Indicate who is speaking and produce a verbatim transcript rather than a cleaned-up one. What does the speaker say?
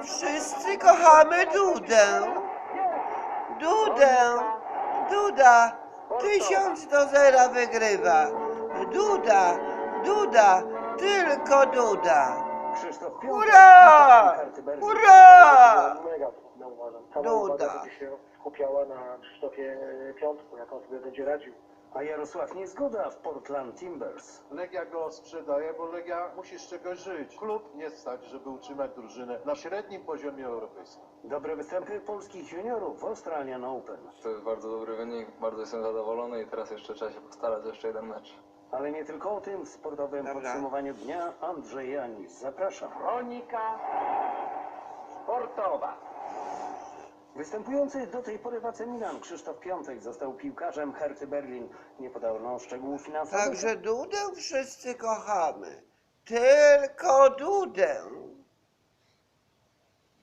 Speaker 1: Wszyscy kochamy Dudę. Dudę. Duda. Tysiąc do zera wygrywa. Duda. Duda. Tylko Duda.
Speaker 2: Krzysztof Piątek.
Speaker 1: Hurra! Hurra!
Speaker 3: Mega, no uważam. Cała
Speaker 1: Duda.
Speaker 3: uwaga będzie się skupiała na Krzysztofie Piątku, jak on sobie będzie radził.
Speaker 2: A Jarosław Niezgoda w Portland Timbers.
Speaker 4: Legia go sprzedaje, bo Legia musi z czegoś żyć. Klub nie stać, żeby utrzymać drużynę na średnim poziomie europejskim.
Speaker 2: Dobre występy polskich juniorów w Australian Open.
Speaker 5: To jest bardzo dobry wynik, bardzo jestem zadowolony i teraz jeszcze trzeba się postarać, jeszcze jeden mecz.
Speaker 2: Ale nie tylko o tym w sportowym
Speaker 1: Dobra.
Speaker 2: podsumowaniu dnia Andrzej Janis. Zapraszam.
Speaker 6: Kronika sportowa.
Speaker 2: Występujący do tej pory w A C Milan Krzysztof Piątek został piłkarzem Herty Berlin. Nie podano szczegółów finansowych.
Speaker 1: Także Dudę wszyscy kochamy. Tylko Dudę.